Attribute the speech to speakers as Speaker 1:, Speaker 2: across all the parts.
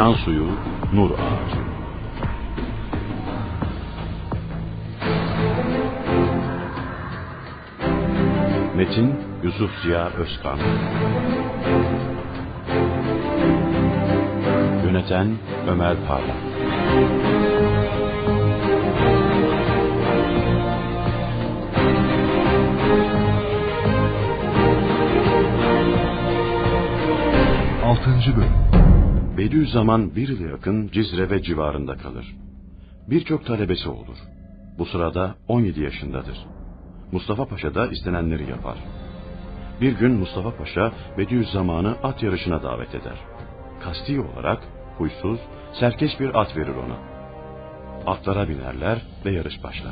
Speaker 1: Can suyu, nur ağacı. Metin Yusuf Ziya Özkan. Yöneten Ömer Parlak.
Speaker 2: Altıncı bölüm.
Speaker 1: Bediüzzaman bir yıla yakın Cizre ve civarında kalır. Birçok talebesi olur. Bu sırada 17 yaşındadır. Mustafa Paşa da istenenleri yapar. Bir gün Mustafa Paşa Bediüzzaman'ı at yarışına davet eder. Kasti olarak huysuz, serkeş bir at verir ona. Atlara binerler ve yarış başlar.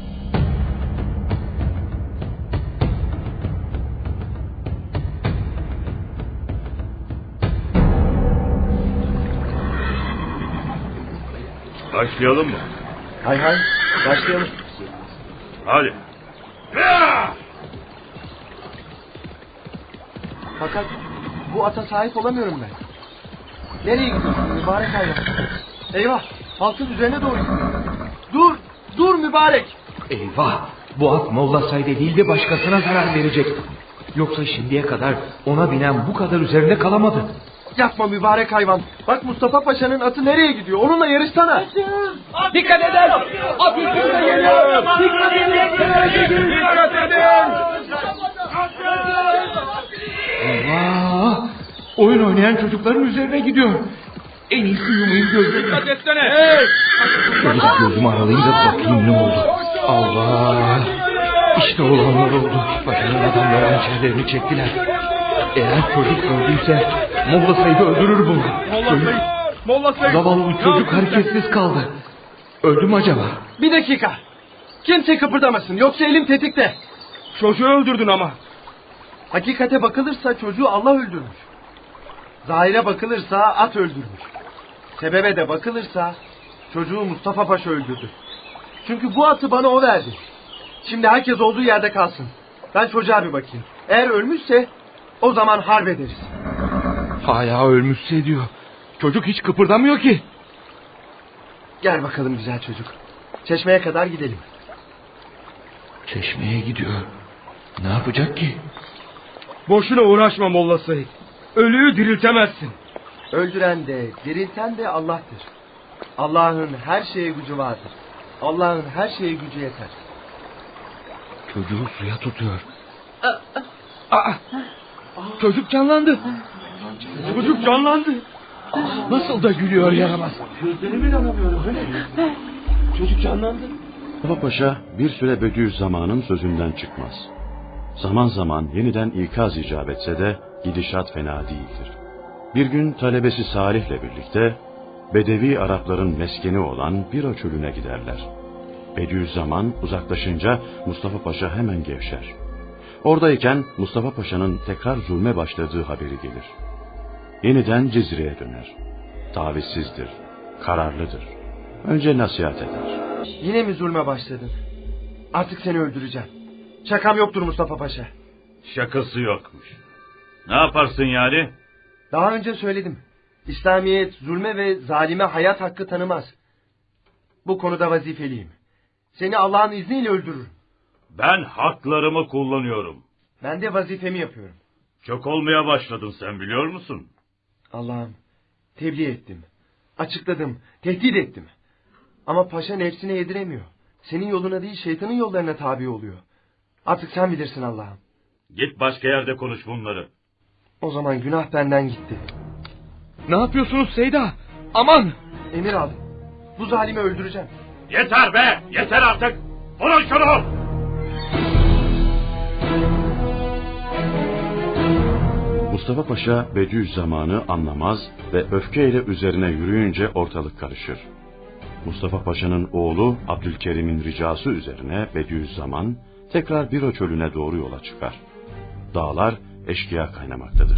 Speaker 3: Başlayalım mı?
Speaker 4: Hay hay, başlayalım.
Speaker 3: Hadi.
Speaker 4: Fakat bu ata sahip olamıyorum ben. Nereye gidiyorsun mübarek hayvan? Eyvah, halkın üzerine doğru gidiyor. Dur mübarek.
Speaker 5: Eyvah, bu at Molla Said'e değil de başkasına zarar verecek. Yoksa şimdiye kadar ona binen bu kadar üzerinde kalamadı.
Speaker 4: Yapma mübarek hayvan. Bak Mustafa Paşa'nın atı nereye gidiyor? Onunla yarışsana.
Speaker 5: Dikkat edin! At üstüne geliyor! Dikkat edin! Dikkat edin! Allah! Oyun oynayan çocukların üzerine gidiyor. En iyisi yumayım gözlerimi. Dikkat etsene! Hey! Şöyle gözümü aralayınca bakayım ne oldu. Allah! İşte olanlar oldu. Paşa'nın adamları hançerlerini çektiler. Eğer çocuk öldüyse Molla Said'i öldürür bunu.
Speaker 4: Molla Said.
Speaker 5: Zavallı çocuk hareketsiz kaldı. Öldü mü acaba?
Speaker 4: Bir dakika. Kimse kıpırdamasın yoksa elim tetikte. Çocuğu öldürdün ama. Hakikate bakılırsa çocuğu Allah öldürmüş. Zahire bakılırsa at öldürmüş. Sebebe de bakılırsa çocuğu Mustafa Paşa öldürdü. Çünkü bu atı bana o verdi. Şimdi herkes olduğu yerde kalsın. Ben çocuğa bir bakayım. Eğer ölmüşse o zaman harp ederiz.
Speaker 5: Hala ölmüşse diyor. Çocuk hiç kıpırdamıyor ki.
Speaker 4: Gel bakalım güzel çocuk. Çeşmeye kadar gidelim.
Speaker 5: Çeşmeye gidiyor. Ne yapacak ki?
Speaker 6: Boşuna uğraşma Molla Said. Ölüyü diriltemezsin.
Speaker 4: Öldüren de dirilten de Allah'tır. Allah'ın her şeye gücü vardır. Allah'ın her şeye gücü yeter.
Speaker 5: Çocuğu suya tutuyor. Çocuk canlandı.
Speaker 6: Çocuk canlandı.
Speaker 5: Nasıl da gülüyor yaramaz.
Speaker 4: Gözlerime inanamıyorum öyle. Çocuk canlandı.
Speaker 1: Mustafa Paşa bir süre Bediüzzaman'ın sözünden çıkmaz. Zaman zaman yeniden ikaz icap etse de gidişat fena değildir. Bir gün talebesi Salih'le birlikte Bedevi Arapların meskeni olan Bira çölüne giderler. Bediüzzaman uzaklaşınca Mustafa Paşa hemen gevşer. Oradayken Mustafa Paşa'nın tekrar zulme başladığı haberi gelir. Yeniden Cizre'ye döner. Tavizsizdir, kararlıdır. Önce nasihat eder.
Speaker 4: Yine mi zulme başladın? Artık seni öldüreceğim. Şakam yoktur Mustafa Paşa.
Speaker 3: Şakası yokmuş. Ne yaparsın yani?
Speaker 4: Daha önce söyledim. İslamiyet zulme ve zalime hayat hakkı tanımaz. Bu konuda vazifeliyim. Seni Allah'ın izniyle öldürürüm.
Speaker 3: Ben haklarımı kullanıyorum.
Speaker 4: Ben de vazifemi yapıyorum.
Speaker 3: Çok olmaya başladın sen biliyor musun?
Speaker 4: Allah'ım tebliğ ettim. Açıkladım. Tehdit ettim. Ama paşa nefsine yediremiyor. Senin yoluna değil şeytanın yollarına tabi oluyor. Artık sen bilirsin Allah'ım.
Speaker 3: Git başka yerde konuş bunları.
Speaker 4: O zaman günah benden gitti.
Speaker 5: Ne yapıyorsunuz Seyda? Aman!
Speaker 4: Emir aldım. Bu zalimi öldüreceğim.
Speaker 3: Yeter be! Yeter artık! Vurun şunu!
Speaker 1: Mustafa Paşa Bediüzzaman'ı anlamaz ve öfkeyle üzerine yürüyünce ortalık karışır. Mustafa Paşa'nın oğlu Abdülkerim'in ricası üzerine Bediüzzaman tekrar Bira çölüne doğru yola çıkar. Dağlar eşkıya kaynamaktadır.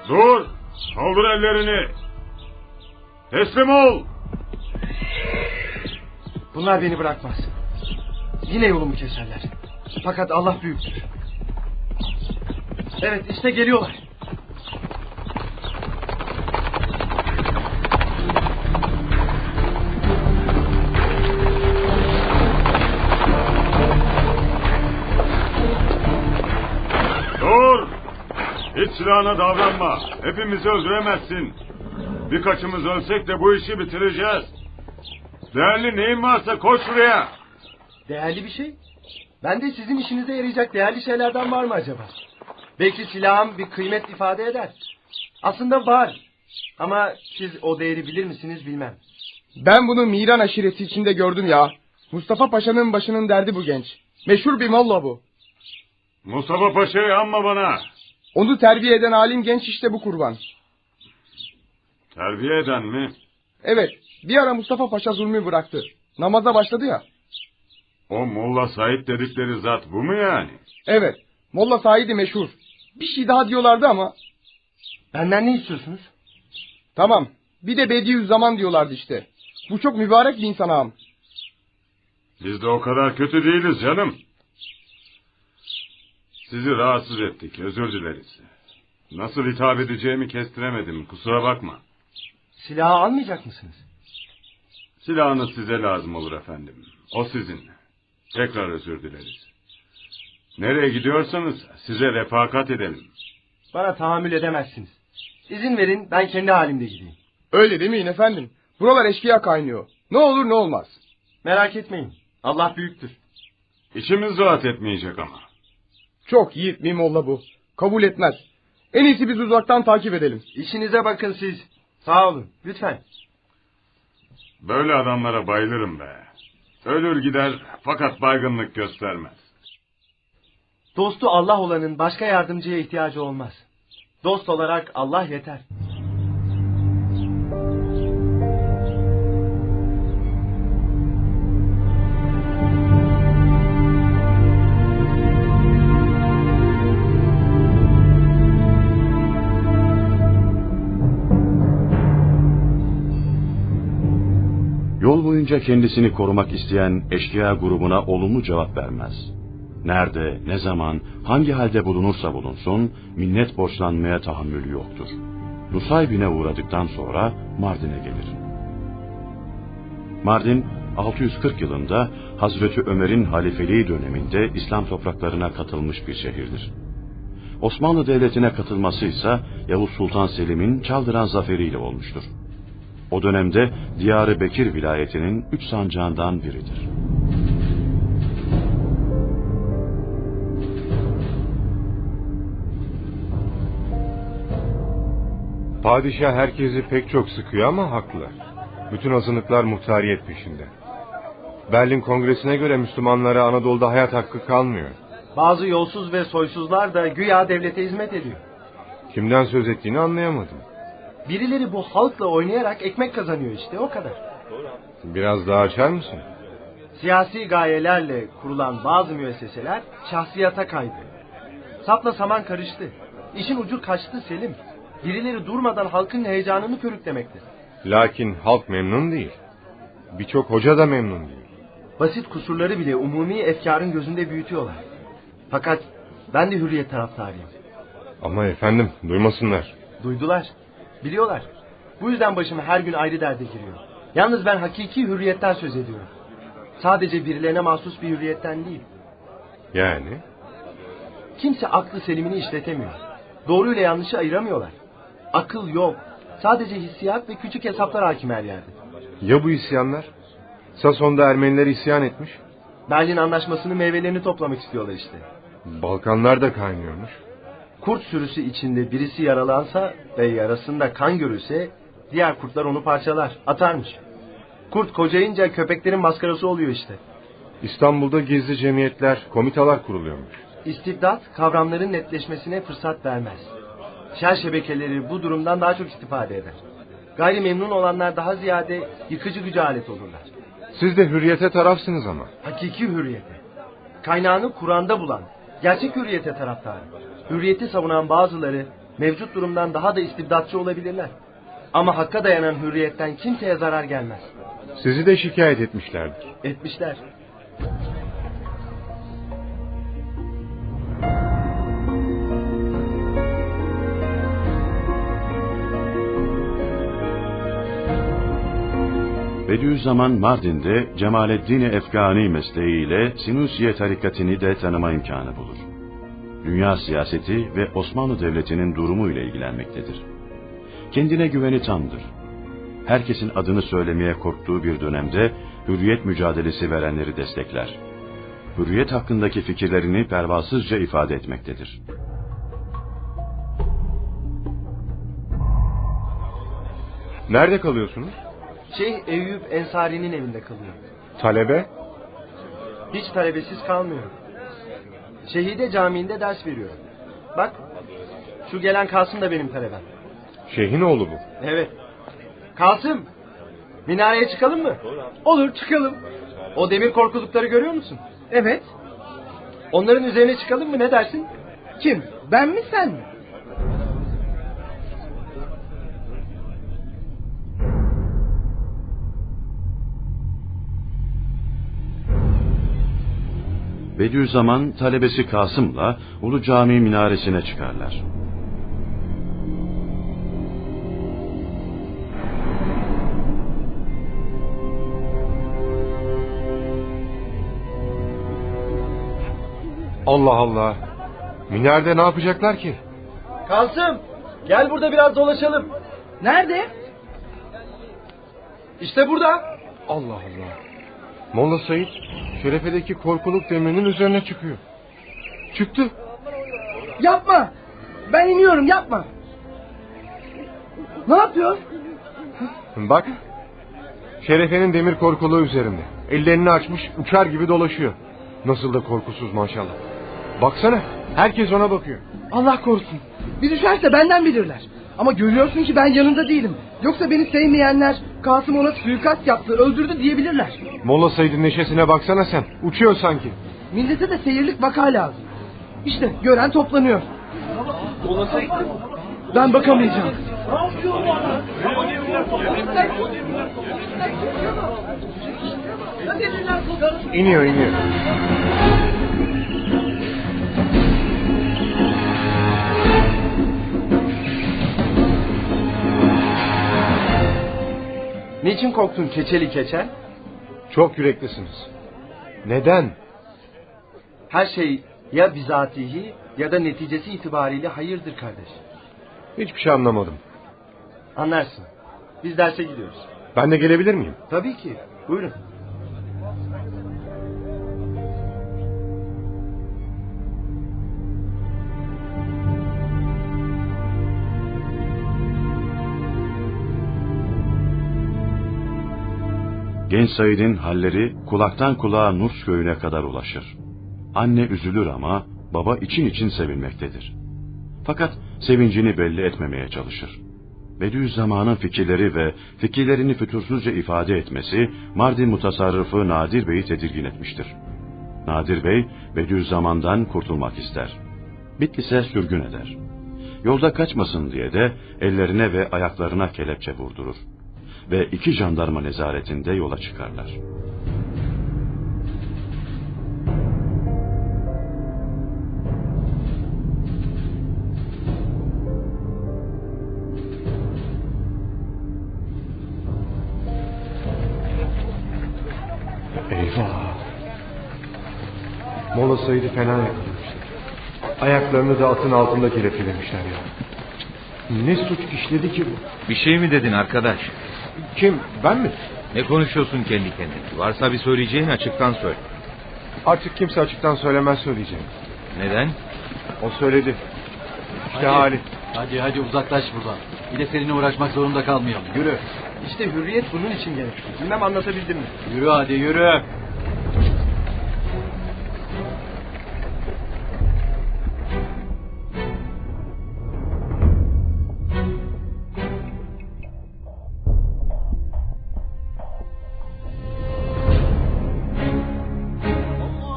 Speaker 3: Dur! Kaldır ellerini! Teslim ol!
Speaker 4: Bunlar beni bırakmaz. Yine yolumu keserler. Fakat Allah büyüktür. Evet, işte geliyorlar.
Speaker 3: Dur! Hiç silahına davranma. Hepimizi öldüremezsin. Birkaçımız ölsek de bu işi bitireceğiz. Değerli neyin varsa koş şuraya.
Speaker 4: Değerli bir şey? Ben de sizin işinize yarayacak değerli şeylerden var mı acaba? Belki silahım bir kıymet ifade eder. Aslında var. Ama siz o değeri bilir misiniz bilmem.
Speaker 6: Ben bunu Miran aşireti içinde gördüm ya. Mustafa Paşa'nın başının derdi bu genç. Meşhur bir molla bu.
Speaker 3: Mustafa Paşa'yı anma bana.
Speaker 6: Onu terbiye eden alim genç işte bu kurban.
Speaker 3: Terbiye eden mi?
Speaker 6: Evet, bir ara Mustafa Paşa zulmü bıraktı. Namaza başladı ya.
Speaker 3: O Molla Said dedikleri zat bu mu yani?
Speaker 6: Evet, Molla Said'i meşhur. Bir şey daha diyorlardı ama.
Speaker 4: Benden ne istiyorsunuz?
Speaker 6: Tamam, bir de Bediüzzaman diyorlardı işte. Bu çok mübarek bir insan ağam.
Speaker 3: Biz de o kadar kötü değiliz canım. Sizi rahatsız ettik, özür dileriz. Nasıl hitap edeceğimi kestiremedim, kusura bakma.
Speaker 4: Silahı almayacak mısınız?
Speaker 3: Silahınız size lazım olur efendim. O sizin. Tekrar özür dileriz. Nereye gidiyorsanız size refakat edelim.
Speaker 4: Bana tahammül edemezsiniz. İzin verin, ben kendi halimde gideyim.
Speaker 6: Öyle demeyin efendim. Buralar eşkıya kaynıyor. Ne olur ne olmaz.
Speaker 4: Merak etmeyin. Allah büyüktür.
Speaker 3: İşimiz rahat etmeyecek ama.
Speaker 6: Çok yiğit bir molla bu. Kabul etmez. En iyisi biz uzaktan takip edelim.
Speaker 4: İşinize bakın siz. Sağ olun, lütfen.
Speaker 3: Böyle adamlara bayılırım be. Ölür gider fakat baygınlık göstermez.
Speaker 4: Dostu Allah olanın başka yardımcıya ihtiyacı olmaz. Dost olarak Allah yeter.
Speaker 1: Yol boyunca kendisini korumak isteyen eşkıya grubuna olumlu cevap vermez. Nerede, ne zaman, hangi halde bulunursa bulunsun, minnet borçlanmaya tahammülü yoktur. Nusaybin'e uğradıktan sonra Mardin'e gelir. Mardin, 640 yılında Hazreti Ömer'in halifeliği döneminde İslam topraklarına katılmış bir şehirdir. Osmanlı Devleti'ne katılması ise Yavuz Sultan Selim'in Çaldıran zaferiyle olmuştur. O dönemde Diyar-ı Bekir vilayetinin 3 sancağından biridir.
Speaker 7: Padişah herkesi pek çok sıkıyor ama haklı. Bütün azınlıklar muhtariyet peşinde. Berlin Kongresi'ne göre Müslümanlara Anadolu'da hayat hakkı kalmıyor.
Speaker 4: Bazı yolsuz ve soysuzlar da güya devlete hizmet ediyor.
Speaker 7: Kimden söz ettiğini anlayamadım.
Speaker 4: Birileri bu halkla oynayarak ekmek kazanıyor işte, o kadar.
Speaker 7: Biraz daha açar mısın?
Speaker 4: Siyasi gayelerle kurulan bazı müesseseler şahsiyata kaydı. Sapla saman karıştı. İşin ucu kaçtı Selim. Birileri durmadan halkın heyecanını körüklemekte.
Speaker 7: Lakin halk memnun değil. Birçok hoca da memnun değil.
Speaker 4: Basit kusurları bile umumi efkarın gözünde büyütüyorlar. Fakat ben de hürriyet taraftarıyım.
Speaker 7: Ama efendim duymasınlar.
Speaker 4: Duydular, biliyorlar. Bu yüzden başım her gün ayrı derde giriyor. Yalnız ben hakiki hürriyetten söz ediyorum. Sadece birilerine mahsus bir hürriyetten değil.
Speaker 7: Yani?
Speaker 4: Kimse aklı selimini işletemiyor. Doğruyla yanlışı ayıramıyorlar. Akıl yok. Sadece hissiyat ve küçük hesaplar hakim her yerde.
Speaker 7: Ya bu isyanlar? Sason'da Ermeniler isyan etmiş.
Speaker 4: Berlin Anlaşması'nın meyvelerini toplamak istiyorlar işte.
Speaker 7: Balkanlar da kaynıyormuş.
Speaker 4: Kurt sürüsü içinde birisi yaralansa ve yarasında kan görülse diğer kurtlar onu parçalar, atarmış. Kurt kocayınca köpeklerin maskarası oluyor işte.
Speaker 7: İstanbul'da gizli cemiyetler, komitalar kuruluyormuş.
Speaker 4: İstibdat kavramların netleşmesine fırsat vermez. Şer şebekeleri bu durumdan daha çok istifade eder. Gayri memnun olanlar daha ziyade yıkıcı güce alet olurlar.
Speaker 7: Siz de hürriyete tarafsınız ama.
Speaker 4: Hakiki hürriyete. Kaynağını Kur'an'da bulan, gerçek hürriyete taraftarı. Hürriyeti savunan bazıları Mevcut durumdan daha da istibdatçı olabilirler. Ama hakka dayanan hürriyetten kimseye zarar gelmez.
Speaker 7: Sizi de şikayet etmişlerdir.
Speaker 4: Etmişler.
Speaker 1: Bediüzzaman Mardin'de Cemaleddin Efgani mesleğiyle Sinusiye tarikatını de tanıma imkanı bulur. Dünya siyaseti ve Osmanlı Devleti'nin durumu ile ilgilenmektedir. Kendine güveni tamdır. Herkesin adını söylemeye korktuğu bir dönemde hürriyet mücadelesi verenleri destekler. Hürriyet hakkındaki fikirlerini pervasızca ifade etmektedir.
Speaker 7: Nerede kalıyorsunuz?
Speaker 4: Şeyh Eyüp Ensari'nin evinde kalıyor.
Speaker 7: Talebe?
Speaker 4: Hiç talebesiz kalmıyor. Şehide Camii'nde ders veriyor. Bak, şu gelen Kasım da benim talebem.
Speaker 7: Şeyhin oğlu bu.
Speaker 4: Evet. Kasım, minareye çıkalım mı?
Speaker 6: Olur, çıkalım.
Speaker 4: O demir korkulukları görüyor musun?
Speaker 6: Evet.
Speaker 4: Onların üzerine çıkalım mı, ne dersin?
Speaker 6: Kim? Ben mi, sen mi?
Speaker 1: Bediüzzaman talebesi Kasım'la Ulu Cami minaresine çıkarlar.
Speaker 7: Allah Allah. Minarede ne yapacaklar ki?
Speaker 4: Kasım, gel burada biraz dolaşalım.
Speaker 6: Nerede?
Speaker 4: İşte burada.
Speaker 7: Allah Allah. Molla Said şerefedeki korkuluk demirinin üzerine çıkıyor. Çıktı.
Speaker 6: Yapma. Ben iniyorum, yapma. Ne yapıyor?
Speaker 7: Bak. Şerefenin demir korkuluğu üzerinde. Ellerini açmış uçar gibi dolaşıyor. Nasıl da korkusuz maşallah. Baksana herkes ona bakıyor.
Speaker 6: Allah korusun. Bir düşerse benden bilirler. Ama görüyorsun ki ben yanında değilim. Yoksa beni sevmeyenler Kasım ona suikast yaptı, öldürdü diyebilirler.
Speaker 7: Molla Said'in neşesine baksana sen. Uçuyor sanki.
Speaker 6: Millete de seyirlik vaka lazım. İşte gören toplanıyor. Ben bakamayacağım.
Speaker 7: İniyor iniyor.
Speaker 4: Niçin korktun keçeli keçen?
Speaker 7: Çok yüreklisiniz. Neden?
Speaker 4: Her şey ya bizatihi ya da neticesi itibariyle hayırdır kardeş.
Speaker 7: Hiçbir şey anlamadım.
Speaker 4: Anlarsın. Biz derse gidiyoruz.
Speaker 7: Ben de gelebilir miyim?
Speaker 4: Tabii ki. Buyurun.
Speaker 1: Genç Said'in halleri kulaktan kulağa Nurs köyüne kadar ulaşır. Anne üzülür ama baba için için sevinmektedir. Fakat sevincini belli etmemeye çalışır. Bediüzzaman'ın fikirleri ve fikirlerini fütursuzca ifade etmesi Mardin mutasarrıfı Nadir Bey'i tedirgin etmiştir. Nadir Bey Bediüzzaman'dan kurtulmak ister. Bitlis'e sürgün eder. Yolda kaçmasın diye de ellerine ve ayaklarına kelepçe vurdurur. Ve 2 jandarma nezaretinde yola çıkarlar.
Speaker 7: Eyvah. Molla Said'i fena yakalamışlar. Ayaklarını da atın altında kelepçelemişler ya. Ne suç işledi ki bu?
Speaker 5: Bir şey mi dedin arkadaş?
Speaker 7: Kim? Ben mi?
Speaker 5: Ne konuşuyorsun kendi kendine? Varsa bir söyleyeceğin açıktan söyle.
Speaker 7: Artık kimse açıktan söylemez söyleyeceğim.
Speaker 5: Neden?
Speaker 7: O söyledi. İşte hali.
Speaker 8: Hadi uzaklaş buradan. Bir de seninle uğraşmak zorunda kalmayalım. Yürü.
Speaker 4: İşte hürriyet bunun için gerekli. Bilmem anlatabildim mi?
Speaker 8: Yürü hadi yürü.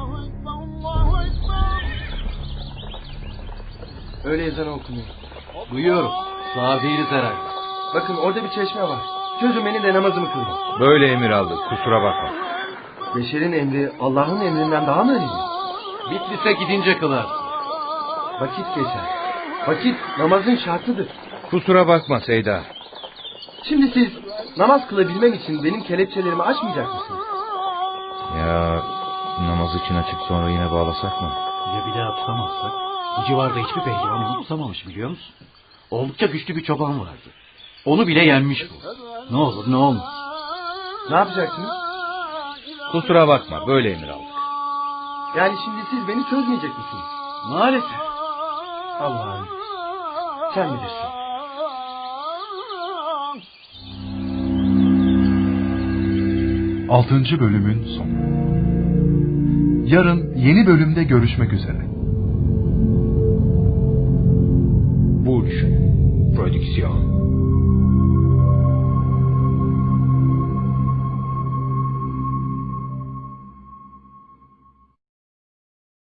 Speaker 4: Öyle ezan okunuyor.
Speaker 8: Duyuyorum. Sağ değiliz herhalde.
Speaker 4: Bakın orada bir çeşme var. Çözün beni de namazımı kılın.
Speaker 5: Böyle emir aldık, kusura bakma.
Speaker 4: Beşer'in emri Allah'ın emrinden daha mı önemli?
Speaker 8: Bitlis'e gidince kılar.
Speaker 4: Vakit geçer. Vakit namazın şartıdır.
Speaker 5: Kusura bakma Seyda.
Speaker 4: Şimdi siz namaz kılabilmem için benim kelepçelerimi açmayacak mısınız?
Speaker 5: Ya namaz için açıp sonra yine bağlasak mı?
Speaker 8: Ya bir daha tutamazsak? Bu civarda hiçbir pehlivan onu tutamamış biliyor musun? Oldukça güçlü bir çoban vardı. Onu bile yenmiş bu. Ne olur ne olmaz.
Speaker 4: Ne yapacaksınız?
Speaker 5: Kusura bakma, böyle emir aldık.
Speaker 4: Yani şimdi siz beni çözmeyecek misiniz?
Speaker 8: Maalesef.
Speaker 4: Allah'ım sen bilirsin.
Speaker 2: Altıncı bölümün sonu. Yarın yeni bölümde görüşmek üzere.
Speaker 5: Burç Prodüksiyon.